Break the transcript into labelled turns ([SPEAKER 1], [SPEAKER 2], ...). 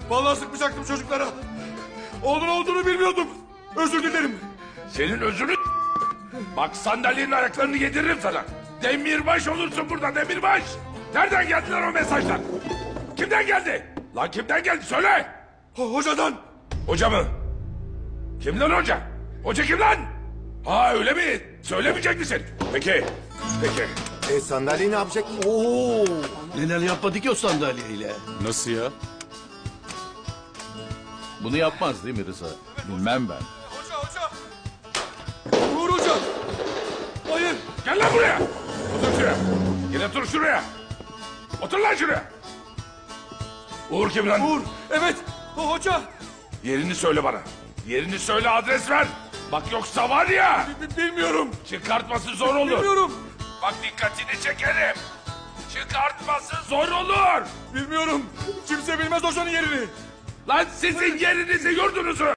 [SPEAKER 1] Vallahi sıkmayacaktım çocuklara. Onun olduğunu bilmiyordum. Özür dilerim.
[SPEAKER 2] Senin özünü... Bak sandalyenin ayaklarını yediririm sana. Demirbaş olursun burada demirbaş. Nereden geldiler o mesajlar? Kimden geldi? Lan kimden geldi söyle.
[SPEAKER 1] Hocadan.
[SPEAKER 2] Hoca mı? Kim lan hoca? Hoca kim lan? Ha öyle mi? Söylemeyecek misin? Peki. Peki.
[SPEAKER 3] Sandalye ne yapacak?
[SPEAKER 4] Oo, neler yapmadı ki o sandalyeyle?
[SPEAKER 5] Nasıl ya?
[SPEAKER 6] Bunu yapmaz değil mi Rıza? Bilmem ben.
[SPEAKER 1] Hoca. Uğur Hoca. Hayır.
[SPEAKER 2] Gel lan buraya. Otur şuraya. Gel otur şuraya. Otur lan şuraya. Uğur kim lan?
[SPEAKER 1] Uğur. Evet. Hoca.
[SPEAKER 2] Yerini söyle bana. Yerini söyle, adres ver. Bak yoksa var ya.
[SPEAKER 1] Bilmiyorum.
[SPEAKER 2] Çıkartması zor olur.
[SPEAKER 1] Bilmiyorum.
[SPEAKER 2] Bak dikkatini çekerim. Çıkartması zor olur.
[SPEAKER 1] Bilmiyorum. Kimse bilmez hocanın yerini.
[SPEAKER 2] Lan sizin yerinizi yurdunuzu.